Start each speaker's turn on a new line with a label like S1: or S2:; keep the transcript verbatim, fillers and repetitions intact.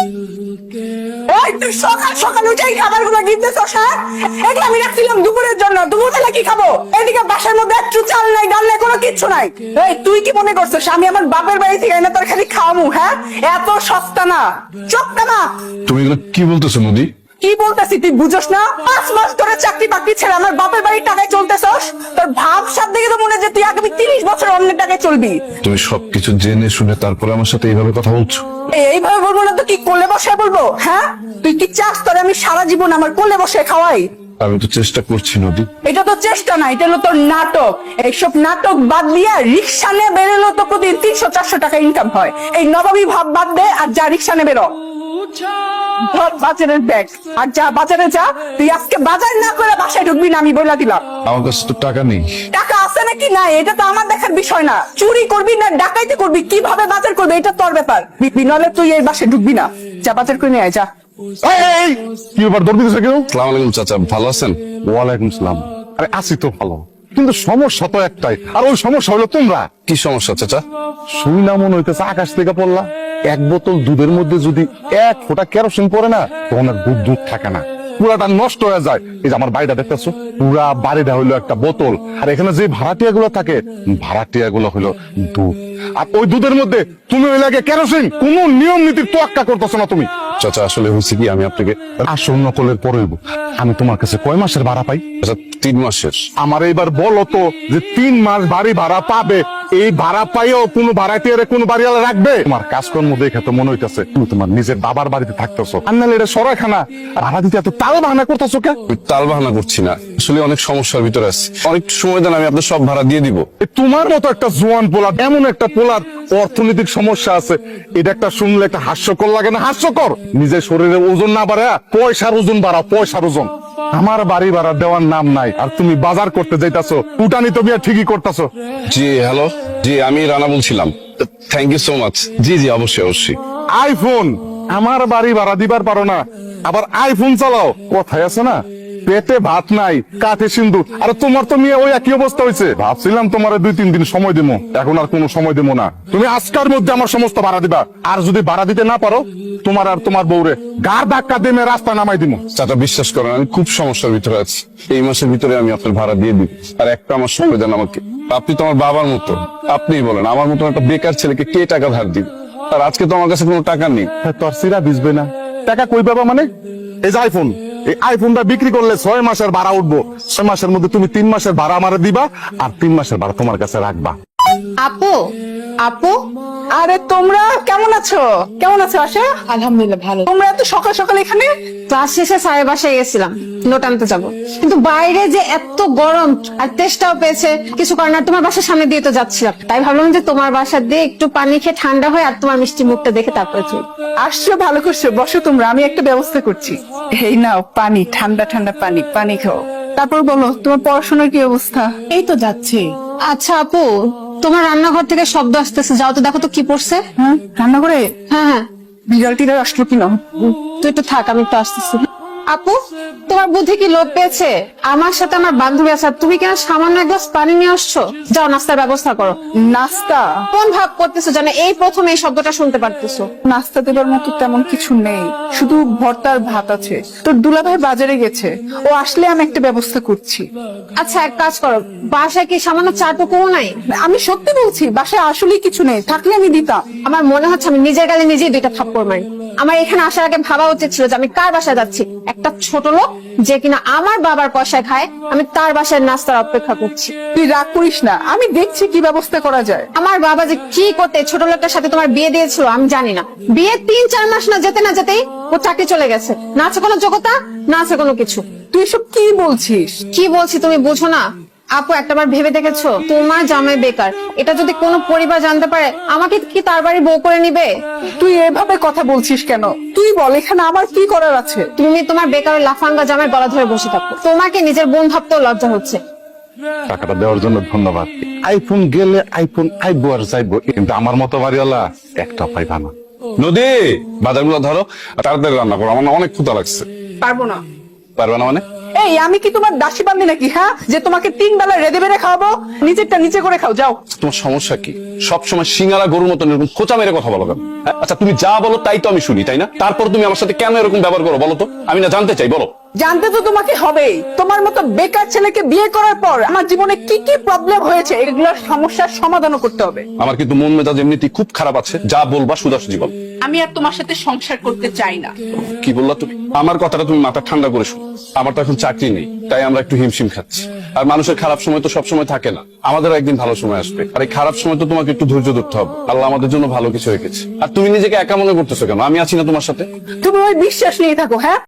S1: ওই তুই সকাল সকাল উঠেই খাবারগুলো গিফটেছস, হ্যাঁ? এগুলো আমি রাখছিলাম দুপুরের জন্য। দুপুর বেলা কি খাবো? এদিকে বাসার মধ্যে একটু চাল নাই, ডাল নাই, কোনো কিচ্ছু নাই। এই তুই কি মনে করছিস আমি আমার বাপের বাড়ি থেকে এনে তোর খালি খাওয়ামু? হ্যাঁ, এত সস্তা না, চোখটা না।
S2: তুমি এগুলো কি বলতেছো নদী?
S1: কি বলতেছি তুই বুঝোস না? পাঁচ মাস ধরে চাকরি বাকরি ছেড়ে আমার বাপের বাড়ির টাকায় চলতেছস। তোর ভাব সাথ দেখে তো মনে হয় যে তুই আগামী তিরিশ বছর অন্যের টাকায় চলবি।
S2: তুমি সবকিছু জেনে শুনে তারপরে আমার সাথে এইভাবে কথা বলছো?
S1: এই- এইভাবে বলবো না তো কি কোলে বসে বলবো? হ্যাঁ, তুই কি চাস তোর আমি সারা জীবন আমার কোলে বসে খাওয়াই?
S2: আমি তো চেষ্টা করছি নদী।
S1: এটা তো চেষ্টা না, এটা হলো তোর নাটক। এইসব নাটক বাদ দিয়া রিক্সা নিয়ে বেরোলো তো প্রতিদিন তিনশো চারশো টাকা ইনকাম হয়। এই নবাবী ভাব বাদ দে আর যা রিক্সা নিয়ে বেরো। ধর বাজারের ব্যাগ আর যা বাজারে যা। তুই আজকে বাজার না করে বাসায় ঢুকবি না, আমি বলে দিলাম।
S2: আমার কাছে তো টাকা নেই।
S1: টাকা আছে নাকি নাই এটা তো আমার দেখার বিষয় না। চুরি করবি না ডাকাইতি করবি, কিভাবে বাজার করবি এটা তোর ব্যাপার। বিনলে তুই এই বাসায় ঢুকবি না, যা বাজার করে নিয়ে আয় যা।
S3: এই, এই, এই, কি ব্যাপার দৌড় দিতেছে কেউ?
S2: সালাম আলাইকুম চাচা, ভালো আছেন?
S3: ওয়ালাইকুম সালাম। আরে আছি তো ভালো, কিন্তু সমস্যা তো একটাই, আর ওই সমস্যা হলো তোমরা।
S2: কি সমস্যা চাচা?
S3: শুইনা মনে হইতেছে আকাশ থেকে পড়লা। এক বোতল দুধের মধ্যে যদি এক ফোঁটা কেরোসিন পড়ে না, তখন আর দুধ দুধ থাকে না, পুরাটা নষ্ট হয়ে যায়। এই যে আমার বাড়িটা দেখতেছো, পুরা বাড়িটা হইলো একটা বোতল, আর এখানে যে ভাড়াটিয়া গুলো থাকে, ভাড়াটিয়া গুলো হইলো দুধ। আর ওই দুধের মধ্যে তুমি ওই লাগে কেরোসিন। কোন নিয়ম নীতির তোয়াক্কা করতেছো না তুমি।
S2: চাচা আসলে হয়েছে কি, আমি আপনাকে
S3: আসল নকলের পরে হইব। আমি তোমার কাছে কয় মাসের ভাড়া পাই?
S2: আচ্ছা তিন মাসের।
S3: আমার এইবার বলো তো যে তিন মাস বাড়ি ভাড়া পাবে, এই ভাড়া পাইও কোনো ভাড়াটিয়ারে কোনো বাড়িওয়ালা রাখবে? তোমার কাজকর্ম দেখে তো মনে হইতেছে তুমি তোমার নিজের বাবার বাড়িতে থাকতেছো। আর নাহলে এটা সরাইখানা, ভাড়া দিতে এত তাল বাহানা করতেছো কে?
S2: আমি তাল বাহানা করছি না, আসলে অনেক সমস্যার ভিতরে আছি। অনেক সময় দেন, আমি আপনার সব ভাড়া দিয়ে দিব।
S3: এ তোমার মতো একটা জোয়ান পোলা, এমন একটা পোলার অর্থনৈতিক সমস্যা আছে, এটা একটা শুনলে একটা হাস্যকর লাগে না? হাস্যকর। নিজের শরীরে ওজন না বাড়া, পয়সার ওজন বাড়াও, পয়সার ওজন। আমার বাড়ি ভাড়া দেওয়ার নাম নাই, আর তুমি বাজার করতে যাইতাছো, উটানি তো বিয়া ঠিকই করতেছো।
S2: জি হ্যালো, জি আমি রানা বলছিলাম। Thank you so much. জি জি অবশ্যই অবশ্যই।
S3: আইফোন, আমার বাড়ি ভাড়া দিবার পারো না, আবার আইফোন চালাও। কথায় আছে না, পেটে ভাত নাই কাঠে সিন্ধু। আর তোমার তো মেয়ে ওই একই অবস্থা হয়েছে। ভাবছিলাম তোমার দুই তিন দিন সময় দেবো, এখন আর কোনো সময় দেবো না। তুমি আজকের মধ্যে আমার সমস্ত ভাড়া দিবা, আর যদি ভাড়া দিতে না পারো, তোমার আর তোমার বউরে গার ধাক্কা দিয়ে রাস্তা নামাই দিব।
S2: চাচা বিশ্বাস করেন, আমি খুব সমস্যার ভিতরে আছি। এই মাসের ভিতরে আমি আপনার ভাড়া দিয়ে দিব, আর একটা আমার সময় দেন আমাকে। আপনি তো আমার বাবার মতো, আপনিই বলেন আমার মতো একটা বেকার ছেলেকে কে টাকা ধার দিবে? আর আজকে তো আমার কাছে কোনো টাকা নেই।
S3: তোর সিরা ভিজবে না, টাকা কই পাবা মানে? এই যে আইফোন, এই আইফোনটা বিক্রি করলে ছয় মাসের ভাড়া উঠবো। ছয় মাসের মধ্যে তুমি তিন মাসের ভাড়া আমারে দিবা, আর তিন মাসের ভাড়া তোমার কাছে রাখবা।
S4: আপু, আপু,
S1: আরে তোমরা কেমন আছো? কেমন আছো আশা?
S4: আলহামদুলিল্লাহ ভালো।
S1: তোমরা এত সকাল সকাল এখানে?
S4: ক্লাস শেষে স্যারের বাসায় গেছিলাম, নোট আনতে যাবো, কিন্তু বাইরে যে এত গরম আর তেষ্টাও পেয়েছে, কিছু কারণ আর তোমার বাসার সামনে দিয়ে তো যাচ্ছিলাম, তাই ভাবলাম যে তোমার বাসা দিয়ে একটু পানি খেয়ে ঠান্ডা হয়, আর তোমার মিষ্টি মুখটা দেখে তারপরে চল।
S1: আসছো, ভালো করছো, বসো তোমরা, আমি একটা ব্যবস্থা করছি। এই নাও পানি, ঠান্ডা ঠান্ডা পানি, পানি খাও। তারপর বলো তোমার পড়াশোনার কি অবস্থা?
S4: এই তো যাচ্ছে। আচ্ছা আপু, তোমার রান্নাঘর থেকে শব্দ আসতেছে, যাও তো দেখো তো কি পড়ছে।
S1: হ্যাঁ, রান্না করে
S4: হ্যাঁ হ্যাঁ,
S1: বিড়াল টিড়াল আসলো কিনা?
S4: তুই একটু থাক, আমি একটু আসতেছি। আপু, তোমার বুদ্ধি কি লোপ পেয়েছে? আমার সাথে আমার বান্ধবী আছে, আর তুমি কেন সামান্য এক গ্লাস পানি নিয়ে আসছো? যাও নাস্তার ব্যবস্থা করো।
S1: নাস্তা?
S4: কোন ভাব করতেছো জানে এই প্রথম এই শব্দটা শুনতে পারতেছো?
S1: নাস্তা দেবার মতো তেমন কিছু নেই, শুধু ভর্তার ভাত আছে। তোর দুলাভাই বাজারে গেছে, ও আসলে আমি একটা ব্যবস্থা করছি।
S4: আচ্ছা এক কাজ করো, বাসায় কি সামান্য চাটুকুও নাই?
S1: আমি সত্যি বলছি, বাসায় আসলেই কিছু নেই, থাকলে আমি দিতাম।
S4: আমার মনে হচ্ছে আমি নিজের গালে নিজেই দুইটা থাপ্পড় মারি। আমার এখানে আসার আগে ভাবা উচিত ছিল যে আমি কার বাসায় যাচ্ছি। একটা ছোট লোক যে কিনা আমার বাবার পয়সায় খায়, আমি তার বাসায় নাস্তার অপেক্ষা করছি।
S1: তুই রাগ করিস না, আমি দেখছি কি ব্যবস্থা করা যায়।
S4: আমার বাবা যে কি করতে ছোট লোকটার সাথে তোমার বিয়ে দিয়েছিল আমি জানি না। বিয়ে তিন চার মাস না যেতে না যেতেই ও চাকরি চলে গেছে। না আছে কোনো যোগ্যতা, না আছে কোনো কিছু।
S1: তুই সব কি বলছিস?
S4: কি বলছি তুমি বুঝো না? আপু একটাবার ভেবে দেখেছো, তোমার জামাই বেকার, এটা যদি কোনো পরিবার জানতে পারে, আমাকে কি তার বাড়ি বউ করে নিবে?
S1: তুই এভাবে কথা বলছিস কেন? তুই বল এখানে আমার কি করার আছে?
S4: তুমি তোমার বেকার লাফাঙ্গা জামাই গলা ধরে বসে থাকো, তোমাকে নিজের বোন ভাবতেও লজ্জা হচ্ছে।
S3: টাকাটা দেওয়ার জন্য ধন্যবাদ। আইফোন গেলে আইফোন আইবো আর যাইবো, কিন্তু আমার মতো বাড়িওয়ালা একটা পাইবা না।
S2: নদী, বাজারগুলো ধরো, তাড়াতাড়ি রান্না করো, আমার না অনেক ক্ষুধা লাগছে।
S1: পারবো না।
S2: পারবে না মানে?
S1: এই আমি কি তোমার দাসী বান্ধি নাকি, হ্যাঁ, যে তোমাকে তিন বেলা রেঁধে বেড়ে খাওয়াবো? নিজেরটা নিচে করে খাও, যাও।
S2: তোমার সমস্যা কি? সবসময় সিঙ্গারা গরুর মতন এরকম খোঁচা মেরে কথা বলো কেন? হ্যাঁ? আচ্ছা তুমি যা বলো তাই তো আমি শুনি, তাই না? তারপর তুমি আমার সাথে কেন এরকম ব্যবহার করো বলো তো? আমি না জানতে চাই, বলো।
S1: জানতে তো তোমাকে হবেই। তোমার মতো বেকার ছেলেকে বিয়ে করার পর আমার জীবনে কি কি প্রবলেম হয়েছে, এগুলোর সমস্যার সমাধানও করতে হবে।
S2: আমার কিন্তু মন মেজাজ এমনিতেই খুব খারাপ আছে, যা বলবা সুদাসুজি বল।
S1: আমি আর তোমার সাথে সংসার করতে চাই না।
S2: কি বললা তুমি? আমার কথাটা তুমি মাথা ঠান্ডা করে শুনো। আমার তো এখন চাকরি নেই, তাই আমরা একটু হিমশিম খাচ্ছি। আর মানুষের খারাপ সময় তো সব সময় থাকে না, আমাদেরও একদিন ভালো সময় আসবে। আর এই খারাপ সময় তো তোমাকে একটু ধৈর্য ধরতে হবে। আল্লাহ আমাদের জন্য ভালো কিছু রেখেছে। আর তুমি নিজেকে একা মনে করতেছো কেন? আমি আছি না তোমার সাথে?
S1: তুমি ওই বিশ্বাস নিয়ে থাকো, হ্যাঁ।